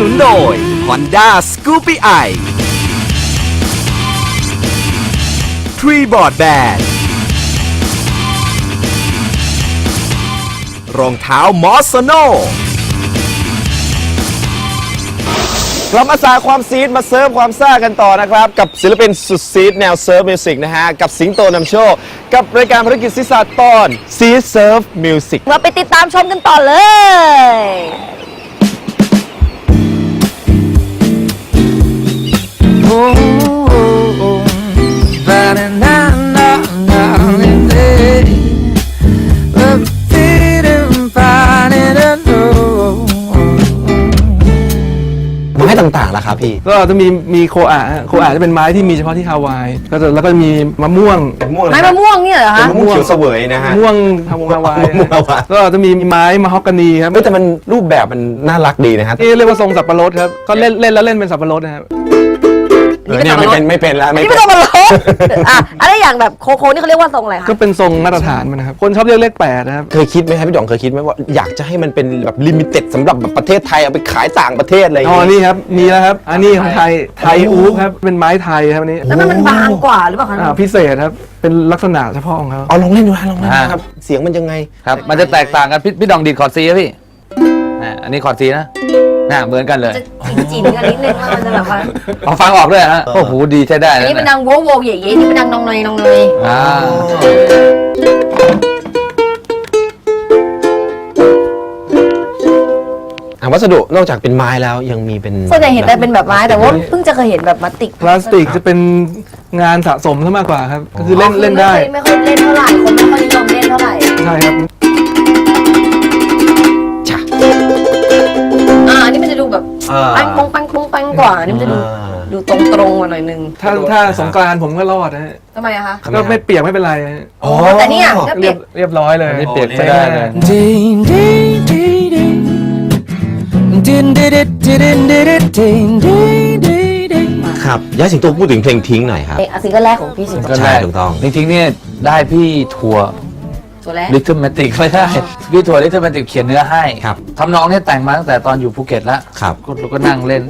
นุนโดย Honda Scoopy i 3Board Band รองเท้ามอสโนกลับมาสาความซีดมาเซิร์ฟความซ่ากันต่อนะครับกับศิลปินสุดซีดแนวเซิร์ฟมิวสิกนะฮะกับสิงโตนำโชคกับรายการภารกิจศิษาตอนซีดเซิร์ฟมิวสิกมาไปติดตามชมกันต่อเลยไม้ต่างๆล่ะครับพี่ก็จะมีโคอาจะเป็นไม้ที่มีเฉพาะที่ฮาวายแล้วก็มีมะม่วงไม้มะม่วงเนี่ยเหรอคะมะม่วงเขียวเสวยนะฮะมะม่วงฮาวายก็จะมีไม้มะฮอกกานีครับแต่มันรูปแบบมันน่ารักดีนะครับที่เรียกว่าทรงสับปะรดครับก็เล่นแล้วเล่นเป็นสับปะรดนะครับเนี่ยไม่เป็นแล้วนี่ไม่ต้องมาลบอะไรอย่างแบบโคนี่เขาเรียกว่าทรงอะไรคะก็เป็นทรงมาตรฐานมันนะครับคนชอบเรียกเลข8นะครับเคยคิดไหมครับพี่ด๋องเคยคิดไหมว่าอยากจะให้มันเป็นแบบลิมิเต็ดสำหรับแบบประเทศไทยเอาไปขายต่างประเทศอะไรอย่างเงี้ยนี่ครับมีแล้วครับอันนี้ของไทยอู๊ครับเป็นไม้ไทยครับอันนี้แล้วมันบางกว่าหรือเปล่าคะพิเศษครับเป็นลักษณะเฉพาะของเขาลองเล่นดูนะลองเล่นครับเสียงมันยังไงครับมันจะแตกต่างกันพี่ดองดีดคอร์ดซีครับพี่อันนี้คอร์ดซีนะเหมือนกันเลยจีนกันนิดนึงมันจะแบบว่าเอาฟังออกด้วยฮะโอ้โหดีใช้ได้อันนี้เป็นดังโวโวเย่ๆนี่เป็นดังนองเนยวัสดุนอกจากเป็นไม้แล้วยังมีเป็นส่วนใหญ่เห็นแต่เป็นแบบไม้แต่ว่าเพิ่งจะเคยเห็นแบบพลาสติกจะเป็นงานสะสมซะมากกว่าครับก็คือเล่นได้ไม่ค่อยเล่นเท่าไหร่คนไม่ค่อยนิยมเล่นเท่าไหร่ใช่ครับอันนี้มันจะดูแบบปังกว่าอันนี้มันจะดูตรงมาหน่อยนึงถ้าสงกรานต์ผมก็รอดนะฮะทำไมอะคะก็ไม่เปียกไม่เป็นไรแต่เนี่ยก็เปียกเรียบร้อยเลยไม่เปียกไม่ได้เลยครับย้ายสิงโตพูดถึงเพลงทิ้งหน่อยครับซิงเกิลแรกของพี่สิงโตใช่ถูกต้องทิ้งเนี่ยได้พี่ทัวร์ลิทเทิลแมติกไม่ได้พี่ทัวร์ลิทเทิลแมติกเขียนเนื้อให้ครับทำนองเนี่ยแต่งมาตั้งแต่ตอนอยู่ภูเก็ตแล้วครับเราก็นั่งเล่น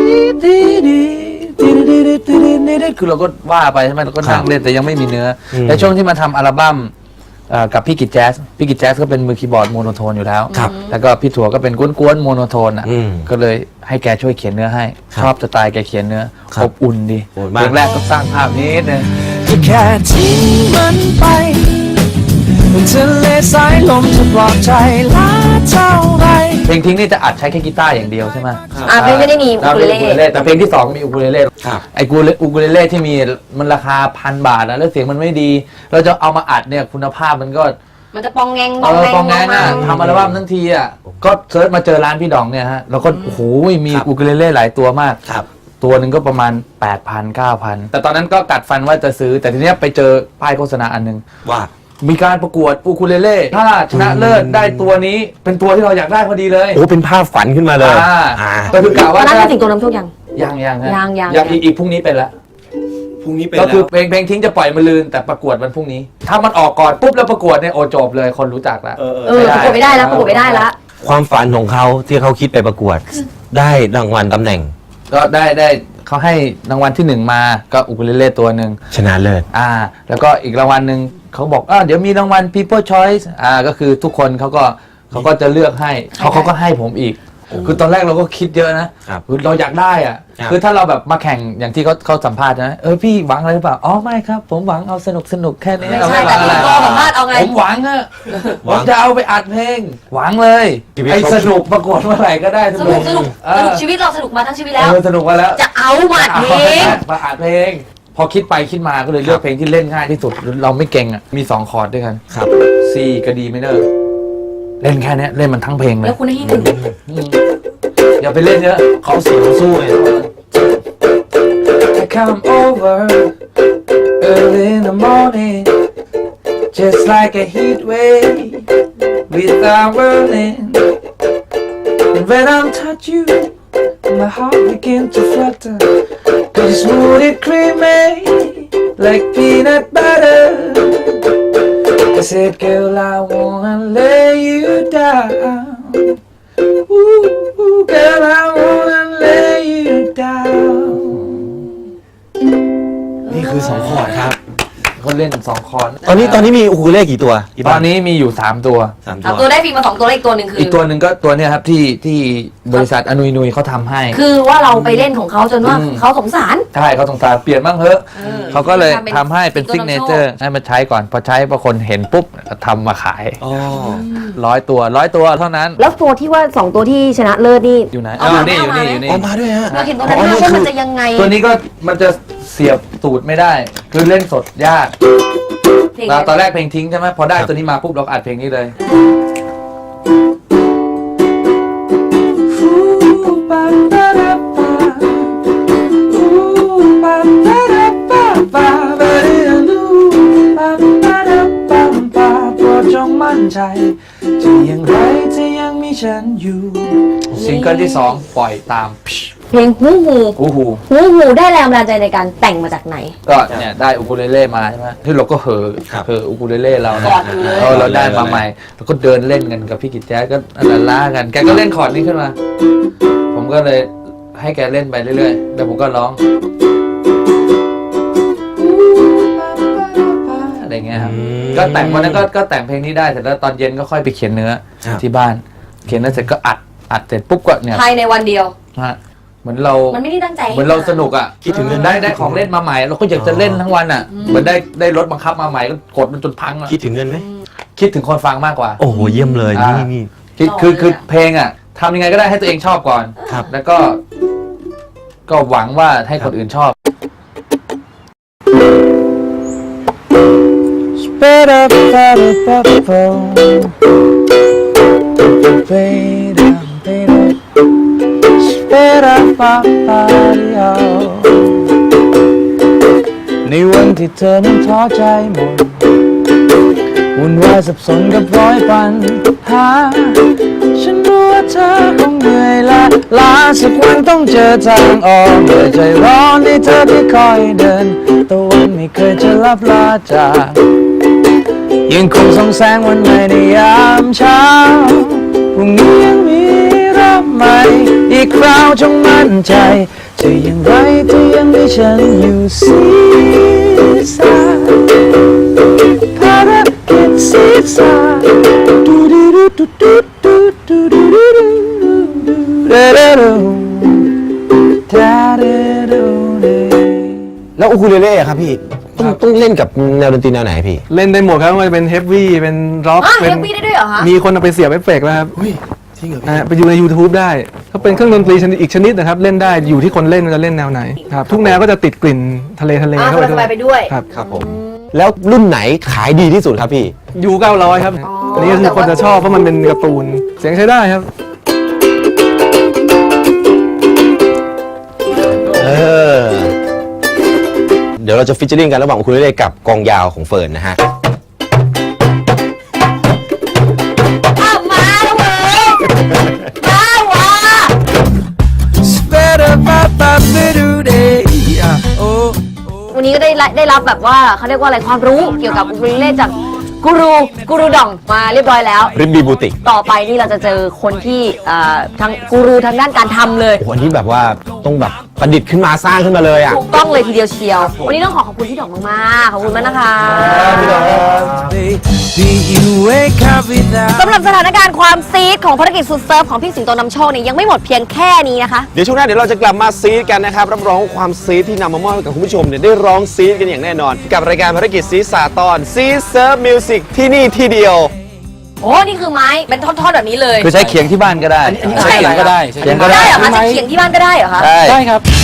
คือเราก็ว่าไปใช่ไหมเราก็นั่งเล่นแต่ยังไม่มีเนื้อในช่วงที่มาทำอัลบั้มกับพี่กิจแจ๊สก็เป็นมือคีย์บอร์ดโมโนโทนอยู่แล้วแล้วก็พี่ถั่วก็เป็นกวนๆโมโนโทนก็เลยให้แกช่วยเขียนเนื้อให้ชอบสไตล์แกเขียนเนื้ออบอุ่นดีเพลงแรกก็สร้างภาพนี้นึงแค่ทิ้งมันไปทะเลสายลมจะปลอบใจล้าเท่าไรเพลงทิ้งนี่จะอัดใช้แค่กีตาร์อย่างเดียวใช่ไหมเพลงไม่ได้มีอูคูเลเล่แต่เพลงที่2มีอูคูเลเล่ไอ้อูคูเลเล่ที่มีมันราคา1,000 บาทแล้วเสียงมันไม่ดีเราจะเอามาอัดเนี่ยคุณภาพมันจะปองแงงทำอัลบั้มทั้งทีอ่ะก็เซิร์ชมาเจอร้านพี่ดองเนี่ยฮะแล้วก็โอ้โหมีอูคูเลเล่หลายตัวมากตัวหนึ่งก็ประมาณ 8,000 9,000 แต่ตอนนั้นก็กัดฟันว่าจะซื้อแต่ทีเนี้ยไปเจอป้ายโฆษณาอันนึงว่ามีการประกวดอูคูเลเล่ถ้าชนะเลิศได้ตัวนี้เป็นตัวที่เราอยากได้พอดีเลยเป็นภาพฝันขึ้นมาเลยก็คือกะว่านั้นเป็นสิงโตนำโชคยังอีกพรุ่งนี้เป็นละก็คือเพลงทิ้งจะปล่อยมันลืนแต่ประกวดวันพรุ่งนี้ถ้ามันออกก่อนปุ๊บแล้วประกวดเนี่ยโอจบเลยคนรู้จักแล้วประกวดไม่ได้แล้วความฝันของเขาที่เขาคิดไปประกวดได้รางวัลตำแหน่งก็ได้เขาให้รางวัลที่1มาก็อูคูเลเล่ตัวหนึ่งชนะเลิศแล้วก็อีกรางวัลหนึ่งเขาบอกเดี๋ยวมีรางวัล People Choice ก็คือทุกคนเขาก็จะเลือกให้เขาก็ให้ผมอีกคือตอนแรกเราก็คิดเยอะนะคือเราอยากได้คือถ้าเราแบบมาแข่งอย่างที่เขาสัมภาษณ์นะพี่หวังอะไรหรือเปล่าไม่ครับผมหวังเอาสนุกแค่นี้ไม่ใช่แต่พี่ก็สัมภาษณ์เอาไงผมหวังผมจะเอาไปอัดเพลงหวังเลยไอ้สนุกประกวดเมื่อไหร่ก็ได้สนุกชีวิตเราสนุกมาทั้งชีวิตแล้วสนุกมาแล้วจะเอามาอัดเพลงพอคิดไปคิดมาก็เลยเลือกเพลงที่เล่นง่ายที่สุดเราไม่เก่งมี2คอร์ดด้วยกันครับ C กับ D minor เล่นแค่นี้เล่นมันทั้งเพลงเลยแล้วคุณให้ถึงอย่าไปเล่นเยอะเขาเสียงสู้เลย I come over early in the morning just like a heat wave without whirling and when I'm touch you my heart begin to flutter cause it's smooth and creamy like peanut butter I said girl I wanna lay you down ooh, girl I wanna คือ2คอร์ดครับเขาเล่น2 คอร์ดตอนนี้มีอูคูเลเล่กี่ตัวตอนนี้มีอยู่3 ตัวเอาตัวได้ฟรีมา2ตัวอีกตัวหนึ่งคืออีกตัวหนึ่งก็ตัวเนี้ยครับที่บริษัทอนุยเขาทำให้คือว่าเราไปเล่นของเขาจนว่าเขาสงสารใช่เขาสงสารเปลี่ยนบ้างเถอะเออเขาก็เลยทำให้เป็นตัวซิกเนเจอร์ให้มาใช้ก่อนพอใช้พอคนเห็นปุ๊บก็ทำมาขายอ๋อ 100 ตัวเท่านั้นแล้วตัวที่ว่า2ตัวที่ชนะเลิศนี่อยู่ไหนเอามานี่เอาอยู่มานี่อยู่นี่ออกมาด้วยฮะเราเห็นตัวนั้นว่ามันจะยังไงตัวนี้ก็มันจะเสียบตูดไม่ได้ คือเล่นสดยากเพลงตอนแรกเพลงทิ้งใช่ไหมพอได้ตัวนี้มาปุ๊บเราก็อัดเพลงนี้เลยจงมั่นใจจะอย่างไรจะยังมีฉันอยู่ซิงเกิลที่ 2 ปล่อยตามเพลงหูหูอู้หูหูหูได้แรงบันดาลใจในการแต่งมาจากไหนก็เนี่ยได้อูคูเลเล่มาใช่ไหมที่เราก็เหออูคูเลเล่เรากอดอยู่เลยเราได้มาใหม่แล้วก็เดินเล่นกันกับพี่กิจแจ๊สก็ล้ากันแกก็เล่นคอร์ดนี้ขึ้นมา ผมก็เลยให้แกเล่นไปเรื่อยๆแล้วผมก็ร้องอะไรเงี้ยครับก็แต่งวันนั้นก็แต่งเพลงนี้ได้เสร็จแล้วตอนเย็นก็ค่อยไปเขียนเนื้อที่บ้าน เขียนเนื้อเสร็จก็อัดเสร็จปุ๊บก็เนี่ยภายในวันเดียวฮะเหมือนเรามันไม่ได้ตั้งใจเหมือนเราสนุกอ่ะคิดถึงได้ของเล่นมาใหม่เราก็อยากจะเล่นทั้งวันอ่ะเหมือนได้รถบังคับมาใหม่ก็กดมันจนพังอ่ะคิดถึงเงินไหมคิดถึงคนฟังมากกว่าโอ้โหเยี่ยมเลยนี่คือเพลงอ่ะทำยังไงก็ได้ให้ตัวเองชอบก่อนครับแล้วก็หวังว่าให้คนอื่นชอบ Sped up, sped up, up, Sped up, sped up, sped up, up, up, ในวันที่เธอนั้นท้อใจหมดวุ่นวายสับสนกับร้อยปัญหาฉันรู้ว่าเธอคงเหนื่อยล้าสักวันต้องเจอทางออกเมื่อใจร้อนให้เธอได้คอยเดินตะวันไม่เคยจะลับลาจากยังคงส่องแสงวันใหม่ในยามเช้าพรุ่งนี้ยังมีรอบใหม่อีกคราวจงมั่นใจจะอย่างไรจะยังมีฉันอยู่ศีรษะภารกิจศีรษะดูดูดูดูดูดูดูดูดูดูดูดูแล้วอูคูเลเล่ครับพี่ต้องเล่นกับแนวดนตรีแนวไหนพี่เล่นได้หมดครับไม่ว่าจะเป็นเฮฟวี่เป็นร็อกอ๋อเป็นเฮฟวี่ได้ด้วยเหรอคะมีคนเอาไปเสียบเอฟเฟกต์แล้วครับจริงเหรอไปอยู่ใน YouTube ได้ก็เป็นเครื่องดนตรีชนิดอีกชนิดนะครับเล่นได้อยู่ที่คนเล่นว่าจะเล่นแนวไหนครับทุกแนวก็จะติดกลิ่นทะเลเข้าไปสบายไปด้วยครับครับผมแล้วรุ่นไหนขายดีที่สุดครับพี่ยู900ครับอันนี้ก็คือคนจะชอบเพราะมันเป็นการ์ตูนเสียงใช้ได้ครับเดี๋ยวเราจะฟิชเชอริงกันระหว่างอูคูเลเล่กับกองยาวของเฟิร์นนะฮะอ้าวมาแล้วเว้ยมาว่ะ Sped up, up, up, do day. Oh. วันนี้ก็ได้รับแบบว่าเขาเรียกว่าอะไรความรู้เกี่ยวกับอูคูเลเล่จากกูรูดองมาเรียบร้อยแล้วริมบีบูติกต่อไปนี่เราจะเจอคนที่ทั้งกูรูทางด้านการทำเลยโอ้โหอันนี้แบบว่าต้องแบบประดิษฐ์ขึ้นมาสร้างขึ้นมาเลยอ่ะถูกต้องเลยทีเดียวเชียว วันนี้ต้องขอบคุณพี่ดอกมากๆ ขอบคุณมากนะคะ Baby, you wake up without. สำหรับสถานการณ์ความซีดของภารกิจสุดเซิร์ฟของพี่สิงโตนำโชคเนี่ยยังไม่หมดเพียงแค่นี้นะคะเดี๋ยวช่วงหน้าเดี๋ยวเราจะกลับมาซีดกันนะครับรับรองว่าความซีดที่นำมามอบให้กับคุณผู้ชมเนี่ยได้ร้องซีดกันอย่างแน่นอน กับรายการภารกิจซีดสาตอนซีดเซิร์ฟมิวสิกที่นี่ที่เดียวโอ้ นี่คือไม้เป็นท่อนๆแบบนี้เลยคือใช้เขียงที่บ้านก็ได้ใช้เขียงก็ได้เขียงก็ได้ได้เหรอคะจะเขียงที่บ้านก็ได้เหรอคะได้ครับ